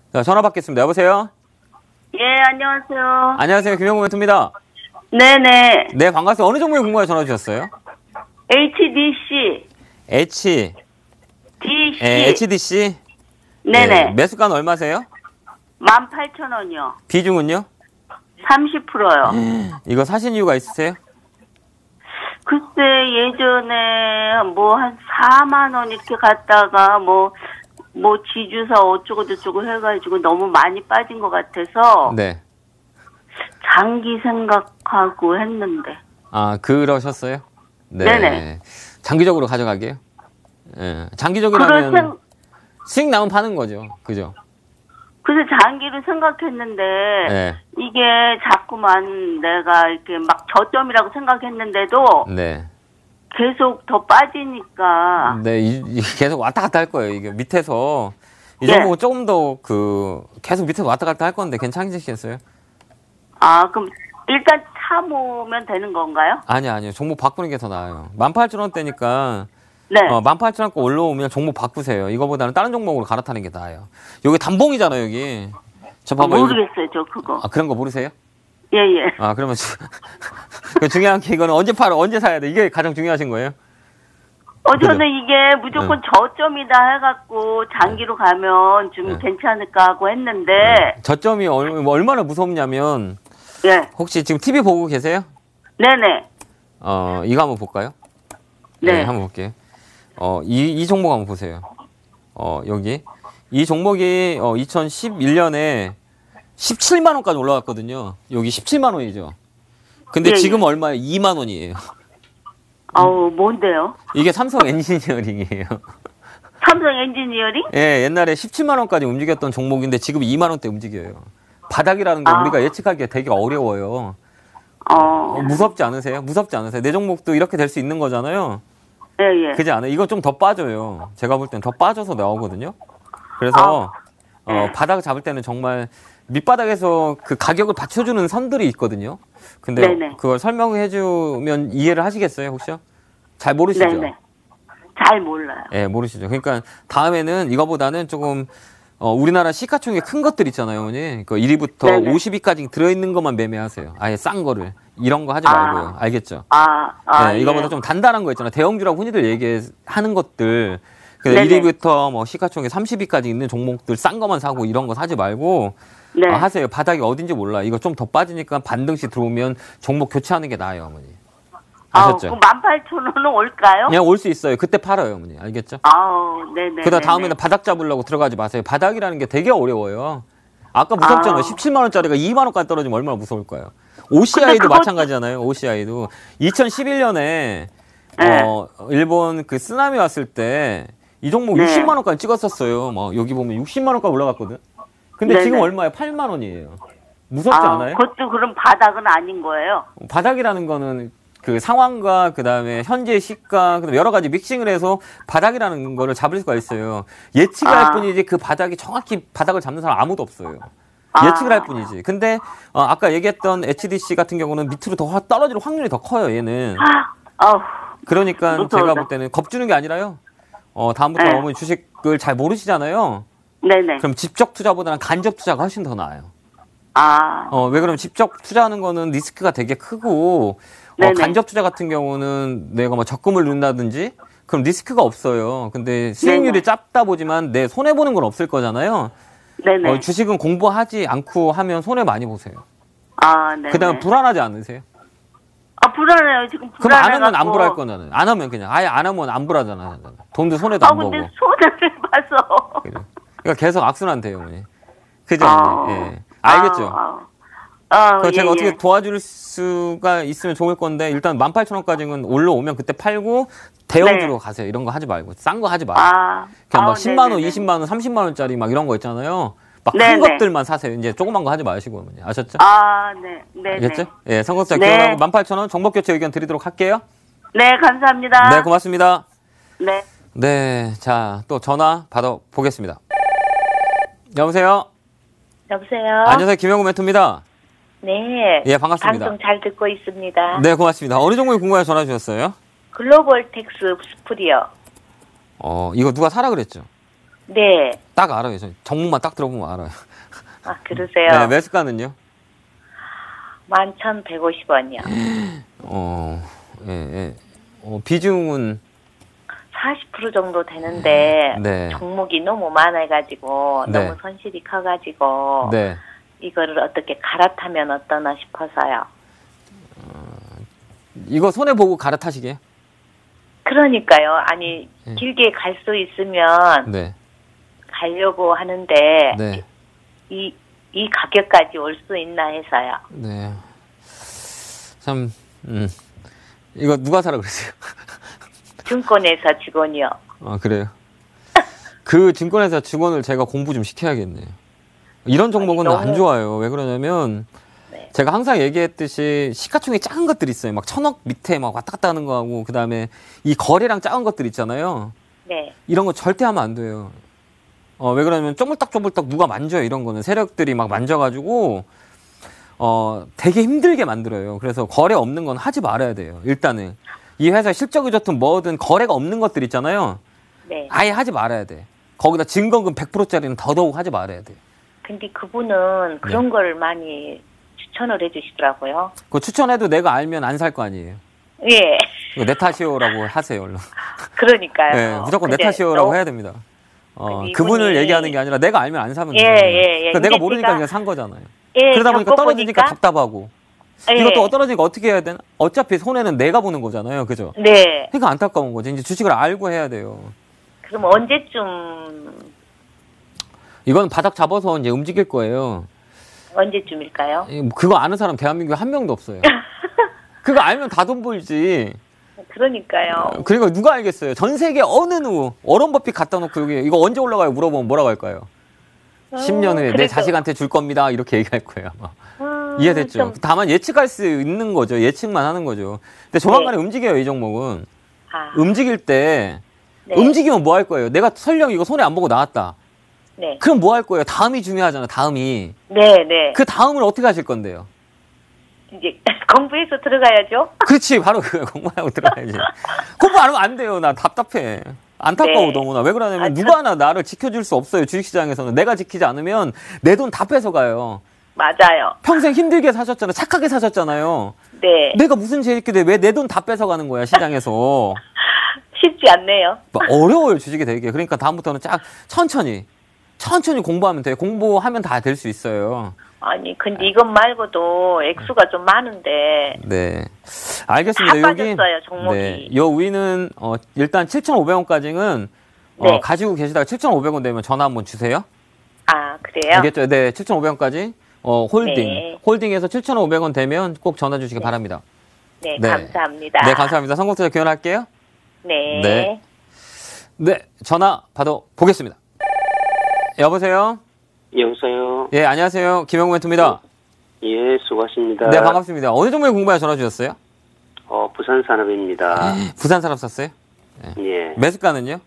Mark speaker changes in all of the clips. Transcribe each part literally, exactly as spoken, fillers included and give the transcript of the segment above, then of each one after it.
Speaker 1: 자, 전화 받겠습니다. 여보세요?
Speaker 2: 예, 안녕하세요.
Speaker 1: 안녕하세요. 김영구 멘토입니다.
Speaker 2: 네네.
Speaker 1: 네, 반갑습니다. 어느 종목에 궁금해 전화 주셨어요?
Speaker 2: 에이치디씨.
Speaker 1: H,
Speaker 2: 디씨.
Speaker 1: 예, 에이치디씨?
Speaker 2: 네네.
Speaker 1: 네, 매수가는 얼마세요?
Speaker 2: 만 팔천 원이요.
Speaker 1: 비중은요?
Speaker 2: 삼십 퍼센트요.
Speaker 1: 이거 사신 이유가 있으세요?
Speaker 2: 글쎄, 예전에 뭐 한 사만 원 이렇게 갔다가 뭐, 뭐 지주사 어쩌고저쩌고 해가지고 너무 많이 빠진 것 같아서.
Speaker 1: 네.
Speaker 2: 장기 생각하고 했는데.
Speaker 1: 아, 그러셨어요? 네.
Speaker 2: 네네.
Speaker 1: 장기적으로 가져가게요? 예. 장기적이라면
Speaker 2: 생...
Speaker 1: 수익 나면 파는 거죠. 그죠?
Speaker 2: 그래서 장기를 생각했는데,
Speaker 1: 네.
Speaker 2: 이게 자꾸만 내가 이렇게 막 저점이라고 생각했는데도,
Speaker 1: 네.
Speaker 2: 계속 더 빠지니까.
Speaker 1: 네, 이, 이 계속 왔다 갔다 할 거예요. 이게 밑에서. 이
Speaker 2: 예.
Speaker 1: 종목은 조금 더 그, 계속 밑에서 왔다 갔다 할 건데 괜찮으시겠어요?
Speaker 2: 아, 그럼 일단 참으면 되는 건가요?
Speaker 1: 아니요, 아니요. 종목 바꾸는 게 더 나아요. 만 팔천 원대니까.
Speaker 2: 네.
Speaker 1: 어, 만 팔천 원대 올라오면 종목 바꾸세요. 이거보다는 다른 종목으로 갈아타는 게 나아요. 여기 단봉이잖아요, 여기. 저 봐봐.
Speaker 2: 모르겠어요,
Speaker 1: 여기.
Speaker 2: 저 그거.
Speaker 1: 아, 그런 거 모르세요?
Speaker 2: 예, 예.
Speaker 1: 아, 그러면 주... 그 중요한 게 이거는 언제 팔아, 언제 사야 돼? 이게 가장 중요하신 거예요?
Speaker 2: 어, 저는
Speaker 1: 그죠?
Speaker 2: 이게 무조건
Speaker 1: 응.
Speaker 2: 저점이다 해갖고 장기로 가면 좀
Speaker 1: 응.
Speaker 2: 괜찮을까 하고 했는데.
Speaker 1: 네. 저점이 얼, 얼마나 무섭냐면,
Speaker 2: 예.
Speaker 1: 혹시 지금 티비 보고 계세요?
Speaker 2: 네네.
Speaker 1: 어, 이거 한번 볼까요?
Speaker 2: 네.
Speaker 1: 네, 한번 볼게요. 어, 이, 이 종목 한번 보세요. 어, 여기. 이 종목이 어, 이천십일 년에 십칠만 원까지 올라갔거든요. 여기 십칠만 원이죠. 근데
Speaker 2: 예,
Speaker 1: 지금
Speaker 2: 예.
Speaker 1: 얼마예요? 이만 원이에요.
Speaker 2: 어우, 뭔데요?
Speaker 1: 이게 삼성 엔지니어링이에요.
Speaker 2: 삼성 엔지니어링?
Speaker 1: 예, 옛날에 십칠만 원까지 움직였던 종목인데 지금 이만 원대 움직여요. 바닥이라는 거
Speaker 2: 아.
Speaker 1: 우리가 예측하기가 되게 어려워요.
Speaker 2: 어.
Speaker 1: 어, 무섭지 않으세요? 무섭지 않으세요? 내 종목도 이렇게 될 수 있는 거잖아요.
Speaker 2: 예, 예.
Speaker 1: 그지 않아요? 이거 좀 더 빠져요. 제가 볼 땐 더 빠져서 나오거든요. 그래서
Speaker 2: 아.
Speaker 1: 어,
Speaker 2: 네.
Speaker 1: 바닥 잡을 때는 정말 밑바닥에서 그 가격을 받쳐주는 선들이 있거든요. 근데
Speaker 2: 네네.
Speaker 1: 그걸 설명해주면 이해를 하시겠어요, 혹시요? 잘 모르시죠?
Speaker 2: 네네. 잘 몰라요.
Speaker 1: 예, 모르시죠. 그러니까 다음에는 이거보다는 조금 어, 우리나라 시가총액 큰 것들 있잖아요, 어머니. 그 일 위부터
Speaker 2: 네네.
Speaker 1: 오십 위까지 들어있는 것만 매매하세요. 아예 싼 거를. 이런 거 하지
Speaker 2: 아.
Speaker 1: 말고요. 알겠죠?
Speaker 2: 아, 아.
Speaker 1: 네, 이거보다
Speaker 2: 예.
Speaker 1: 좀 단단한 거 있잖아요. 대형주라고 흔히들 얘기하는 것들. 그
Speaker 2: 네네.
Speaker 1: 일 위부터 뭐 시가총액 삼십 위까지 있는 종목들 싼 거만 사고 이런 거 사지 말고
Speaker 2: 네.
Speaker 1: 어, 하세요. 바닥이 어딘지 몰라. 이거 좀 더 빠지니까 반등시 들어오면 종목 교체하는 게 나아요, 어머니. 아셨죠?
Speaker 2: 아우, 만 팔천 원은 올까요?
Speaker 1: 그냥 올 수 있어요. 그때 팔아요, 어머니. 알겠죠?
Speaker 2: 아우, 네네.
Speaker 1: 그러다 다음에는 바닥 잡으려고 들어가지 마세요. 바닥이라는 게 되게 어려워요. 아까 무섭잖아요.
Speaker 2: 아.
Speaker 1: 십칠만 원짜리가 이만 원까지 떨어지면 얼마나 무서울까요? 오씨아이도
Speaker 2: 그것-
Speaker 1: 마찬가지잖아요. 오씨아이도 이천십일 년에
Speaker 2: 네.
Speaker 1: 어, 일본 그 쓰나미 왔을 때 이 종목
Speaker 2: 네.
Speaker 1: 육십만 원까지 찍었었어요. 뭐 여기 보면 육십만 원까지 올라갔거든. 근데
Speaker 2: 네네.
Speaker 1: 지금 얼마에 팔만 원이에요. 무섭지
Speaker 2: 아,
Speaker 1: 않아요?
Speaker 2: 그것도 그럼 바닥은 아닌 거예요?
Speaker 1: 바닥이라는 거는 그 상황과 그다음에 현재 시가 그다음에 여러 가지 믹싱을 해서 바닥이라는 거를 잡을 수가 있어요. 예측을
Speaker 2: 아.
Speaker 1: 할 뿐이지 그 바닥이 정확히 바닥을 잡는 사람 아무도 없어요.
Speaker 2: 아.
Speaker 1: 예측을 할 뿐이지. 근데 어, 아까 얘기했던 에이치디씨 같은 경우는 밑으로 더 떨어질 확률이 더 커요. 얘는.
Speaker 2: 아, 아우.
Speaker 1: 그러니까
Speaker 2: 무서워서.
Speaker 1: 제가 볼 때는 겁주는 게 아니라요. 어, 다음부터
Speaker 2: 네.
Speaker 1: 어머니 주식을 잘 모르시잖아요.
Speaker 2: 네네.
Speaker 1: 그럼 직접 투자보다는 간접 투자가 훨씬 더 나아요.
Speaker 2: 아.
Speaker 1: 어, 왜 그러면 직접 투자하는 거는 리스크가 되게 크고, 어,
Speaker 2: 네네.
Speaker 1: 간접 투자 같은 경우는 내가 뭐 적금을 넣는다든지, 그럼 리스크가 없어요. 근데 수익률이
Speaker 2: 네네.
Speaker 1: 짧다 보지만 내 손해보는 건 없을 거잖아요.
Speaker 2: 네네.
Speaker 1: 어, 주식은 공부하지 않고 하면 손해 많이 보세요.
Speaker 2: 아, 네네.
Speaker 1: 그 다음에 불안하지 않으세요?
Speaker 2: 아, 불안해요. 지금
Speaker 1: 그럼 안
Speaker 2: 불안해갖고.
Speaker 1: 하면 안 불할 거잖아요. 안 하면 그냥, 아예 안 하면 안 불하잖아. 돈도 손해도
Speaker 2: 아,
Speaker 1: 안
Speaker 2: 근데
Speaker 1: 보고.
Speaker 2: 손해를 봐서.
Speaker 1: 그래. 그러니까 계속 악순환 돼요, 어머니. 그죠?
Speaker 2: 아.
Speaker 1: 어머니? 예. 알겠죠?
Speaker 2: 아, 아. 아,
Speaker 1: 그래서
Speaker 2: 예,
Speaker 1: 제가 어떻게
Speaker 2: 예.
Speaker 1: 도와줄 수가 있으면 좋을 건데 일단 만 팔천 원까지는 올라오면 그때 팔고 대형주로
Speaker 2: 네.
Speaker 1: 가세요. 이런 거 하지 말고 싼 거 하지 마요.
Speaker 2: 아.
Speaker 1: 그냥 막
Speaker 2: 아우,
Speaker 1: 십만 원,
Speaker 2: 네네네.
Speaker 1: 이십만 원, 삼십만 원짜리 막 이런 거 있잖아요. 막 큰
Speaker 2: 네네.
Speaker 1: 것들만 사세요. 이제 조그만 거 하지 마시고 어머니. 아셨죠?
Speaker 2: 아, 네. 네네.
Speaker 1: 알겠죠? 예, 선거자
Speaker 2: 네.
Speaker 1: 기원하고 만 팔천 원 정보 교체 의견 드리도록 할게요.
Speaker 2: 네, 감사합니다.
Speaker 1: 네, 고맙습니다.
Speaker 2: 네.
Speaker 1: 네, 자, 또 전화 받아 보겠습니다. 여보세요?
Speaker 3: 여보세요?
Speaker 1: 안녕하세요. 김영구 멘토입니다.
Speaker 3: 네.
Speaker 1: 예, 반갑습니다.
Speaker 3: 방송 잘 듣고 있습니다.
Speaker 1: 네, 고맙습니다. 어느 종목에 궁금해 전화 주셨어요?
Speaker 3: 글로벌 텍스 스프리요.
Speaker 1: 어, 이거 누가 사라 그랬죠?
Speaker 3: 네.
Speaker 1: 딱 알아요. 저 종목만 딱 들어보면 알아요.
Speaker 3: 아, 그러세요?
Speaker 1: 네, 매수가는요?
Speaker 3: 만 천백오십 원이요.
Speaker 1: 어, 예, 예. 어, 비중은
Speaker 3: 사십 퍼센트 정도 되는데
Speaker 1: 네.
Speaker 3: 종목이 너무 많아가지고
Speaker 1: 네.
Speaker 3: 너무 손실이 커가지고
Speaker 1: 네.
Speaker 3: 이거를 어떻게 갈아타면 어떠나 싶어서요.
Speaker 1: 이거 손해 보고 갈아타시게요?
Speaker 3: 그러니까요. 아니
Speaker 1: 네.
Speaker 3: 길게 갈 수 있으면
Speaker 1: 네.
Speaker 3: 가려고 하는데
Speaker 1: 네.
Speaker 3: 이, 이 가격까지 올 수 있나 해서요.
Speaker 1: 네. 참, 음. 이거 누가 사라 그랬어요?
Speaker 3: 증권회사 직원이요.
Speaker 1: 아, 그래요? 그 증권회사 직원을 제가 공부 좀 시켜야겠네요. 이런 종목은
Speaker 3: 아니, 너무...
Speaker 1: 안 좋아요. 왜 그러냐면,
Speaker 3: 네.
Speaker 1: 제가 항상 얘기했듯이 시가총액 작은 것들 있어요. 막 천억 밑에 막 왔다 갔다 하는 거 하고, 그 다음에 이 거래량 작은 것들 있잖아요.
Speaker 3: 네.
Speaker 1: 이런 거 절대 하면 안 돼요. 어, 왜 그러냐면 쪼물딱쪼물딱 누가 만져요. 이런 거는 세력들이 막 만져가지고, 어, 되게 힘들게 만들어요. 그래서 거래 없는 건 하지 말아야 돼요. 일단은. 이 회사 실적이 좋든 뭐든 거래가 없는 것들 있잖아요.
Speaker 3: 네.
Speaker 1: 아예 하지 말아야 돼. 거기다 증거금 백 퍼센트짜리는 더더욱 하지 말아야 돼.
Speaker 3: 근데 그분은 그런
Speaker 1: 네.
Speaker 3: 걸 많이 추천을 해주시더라고요.
Speaker 1: 그거 추천해도 내가 알면 안 살 거 아니에요.
Speaker 3: 예.
Speaker 1: 이거 내 탓이요라고 하세요, 얼른.
Speaker 3: 그러니까요.
Speaker 1: 네, 무조건 내
Speaker 3: 근데
Speaker 1: 탓이요라고
Speaker 3: 너무-
Speaker 1: 해야 됩니다. 어,
Speaker 3: 근데
Speaker 1: 그분을
Speaker 3: 이분이-
Speaker 1: 얘기하는 게 아니라 내가 알면 안 사면
Speaker 3: 예,
Speaker 1: 돼요.
Speaker 3: 예, 예.
Speaker 1: 그러니까 내가
Speaker 3: 근데
Speaker 1: 모르니까
Speaker 3: 제가-
Speaker 1: 그냥 산 거잖아요.
Speaker 3: 예,
Speaker 1: 그러다 보니까 떨어지니까
Speaker 3: 겪어보니까-
Speaker 1: 답답하고.
Speaker 3: 예.
Speaker 1: 이것도 떨어지니까 어떻게 해야 되나? 어차피 손해는 내가 보는 거잖아요. 그죠?
Speaker 3: 네.
Speaker 1: 그러니까 안타까운 거지. 이제 주식을 알고 해야 돼요.
Speaker 3: 그럼 언제쯤
Speaker 1: 이건 바닥 잡아서 이제 움직일 거예요.
Speaker 3: 언제쯤일까요?
Speaker 1: 이- 뭐 그거 아는 사람 대한민국에 한 명도 없어요. 그거 알면 다 돈 벌지.
Speaker 3: 그러니까요.
Speaker 1: 그리고 누가 알겠어요? 전 세계 어느 누구 워런 버핏 갖다 놓고 여기 이거 언제 올라가요? 물어보면 뭐라고 할까요? 십 년 후에 내
Speaker 3: 그래도-
Speaker 1: 자식한테 줄 겁니다. 이렇게 얘기할 거예요. 아마.
Speaker 3: 음,
Speaker 1: 이해됐죠?
Speaker 3: 좀-
Speaker 1: 다만 예측할 수 있는 거죠. 예측만 하는 거죠. 근데 조만간에 움직여요. 이 종목은.
Speaker 3: 아,
Speaker 1: 움직일 때
Speaker 3: 네.
Speaker 1: 움직이면 뭐 할 거예요? 내가 설령 이거 손해 안 보고 나왔다.
Speaker 3: 네.
Speaker 1: 그럼 뭐 할 거예요? 다음이 중요하잖아. 다음이.
Speaker 3: 네, 네.
Speaker 1: 그 다음을 어떻게 하실 건데요?
Speaker 3: 이제 공부해서 들어가야죠.
Speaker 1: 그렇지. 바로 그 공부하고 들어가야지. 공부 안 하면 안 돼요. 나 답답해. 안타까워
Speaker 3: 네.
Speaker 1: 너무나. 왜 그러냐면
Speaker 3: 아,
Speaker 1: 누가 하나 나를 지켜줄 수 없어요. 주식시장에서는. 내가 지키지 않으면 내 돈 다 뺏어가요.
Speaker 3: 맞아요.
Speaker 1: 평생 힘들게 사셨잖아요. 착하게 사셨잖아요.
Speaker 3: 네.
Speaker 1: 내가 무슨 죄 있게 돼? 왜 내 돈 다 뺏어가는 거야 시장에서.
Speaker 3: 쉽지 않네요.
Speaker 1: 막 어려워요 주식이 되게. 그러니까 다음부터는 쫙 천천히 천천히 공부하면 돼요. 공부하면 다 될 수 있어요.
Speaker 3: 아니, 근데 이것 말고도 액수가 좀 많은데
Speaker 1: 네, 알겠습니다.
Speaker 3: 다
Speaker 1: 여기
Speaker 3: 빠졌어요, 종목이.
Speaker 1: 네, 요 위는 어, 일단 칠천오백 원까지는 어,
Speaker 3: 네.
Speaker 1: 가지고 계시다가 칠천오백 원 되면 전화 한번 주세요.
Speaker 3: 아, 그래요?
Speaker 1: 알겠죠? 네, 칠천오백 원까지 어, 홀딩.
Speaker 3: 네.
Speaker 1: 홀딩해서 칠천오백 원 되면 꼭 전화 주시기 바랍니다.
Speaker 3: 네,
Speaker 1: 네.
Speaker 3: 감사합니다.
Speaker 1: 네, 감사합니다. 성공투자 기원할게요.
Speaker 3: 네.
Speaker 1: 네. 네, 전화 받아 보겠습니다. 여보세요?
Speaker 4: 여보세요.
Speaker 1: 예, 안녕하세요. 김영구 멘토입니다.
Speaker 4: 예, 수고하십니다.
Speaker 1: 네, 반갑습니다. 어느 종목에 공부해 전화 주셨어요?
Speaker 4: 어, 부산산업입니다.
Speaker 1: 부산 사람 샀어요?
Speaker 4: 예,
Speaker 1: 매수가는요?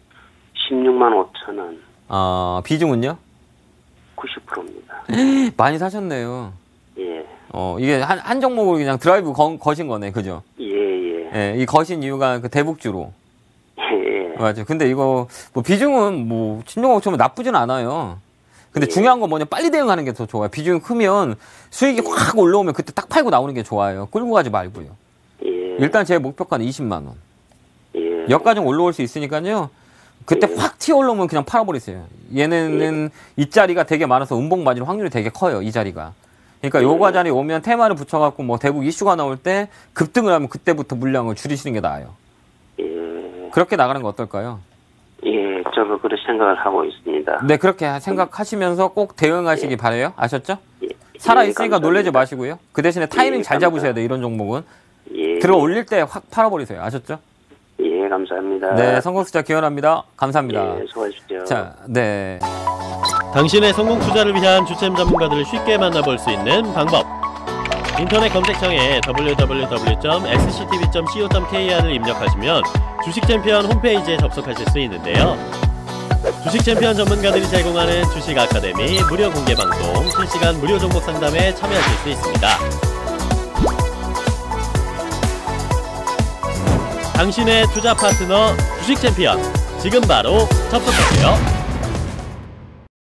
Speaker 4: 십육만 오천 원,
Speaker 1: 어, 비중은요?
Speaker 4: 구십 퍼센트입니다.
Speaker 1: 많이 사셨네요.
Speaker 4: 예,
Speaker 1: 어, 이게 한, 한 종목으로 그냥 드라이브 거, 거신 거네. 그죠?
Speaker 4: 예, 예,
Speaker 1: 예, 이 거신 이유가 그 대북주로.
Speaker 4: 예,
Speaker 1: 맞아요. 근데 이거, 뭐, 비중은 뭐, 신종목 처럼 나쁘진 않아요. 근데
Speaker 4: 예.
Speaker 1: 중요한 건 뭐냐, 빨리 대응하는 게 더 좋아요. 비중이 크면 수익이 확 올라오면 그때 딱 팔고 나오는 게 좋아요. 끌고 가지 말고요.
Speaker 4: 예,
Speaker 1: 일단 제 목표가는 이십만 원.
Speaker 4: 예,
Speaker 1: 여기까지 올라올 수 있으니까요. 그때
Speaker 4: 예.
Speaker 1: 확 튀어 올라오면 그냥 팔아버리세요. 얘네는 이 자리가 되게 많아서 음봉 맞을 확률이 되게 커요. 이 자리가. 그러니까 요거 자리 오면 테마를 붙여갖고 뭐 대북 이슈가 나올 때 급등을 하면 그때부터 물량을 줄이시는 게 나아요.
Speaker 4: 예,
Speaker 1: 그렇게 나가는 거 어떨까요?
Speaker 4: 예, 저도 그렇게 생각을 하고 있습니다.
Speaker 1: 네, 그렇게 생각하시면서 꼭 대응하시기 바래요. 아셨죠?
Speaker 4: 예,
Speaker 1: 살아있으니까
Speaker 4: 예,
Speaker 1: 놀라지
Speaker 4: 감사합니다.
Speaker 1: 마시고요. 그 대신에 타이밍
Speaker 4: 예,
Speaker 1: 잘
Speaker 4: 감사합니다.
Speaker 1: 잡으셔야 돼. 이런 종목은.
Speaker 4: 예,
Speaker 1: 들어 올릴 때 확 팔아버리세요. 아셨죠?
Speaker 4: 예, 감사합니다.
Speaker 1: 네, 성공 숫자 기원합니다. 감사합니다.
Speaker 4: 예, 수고하십시오.
Speaker 1: 자, 네.
Speaker 5: 당신의 성공 투자를 위한 주템 전문가들을 쉽게 만나볼 수 있는 방법. 인터넷 검색창에 더블유 더블유 더블유 점 엑스씨티비 점 씨오 점 케이알을 입력하시면 주식 챔피언 홈페이지에 접속하실 수 있는데요. 주식 챔피언 전문가들이 제공하는 주식 아카데미 무료 공개 방송, 실시간 무료 종목 상담에 참여하실 수 있습니다. 당신의 투자 파트너 주식 챔피언, 지금 바로 접속하세요.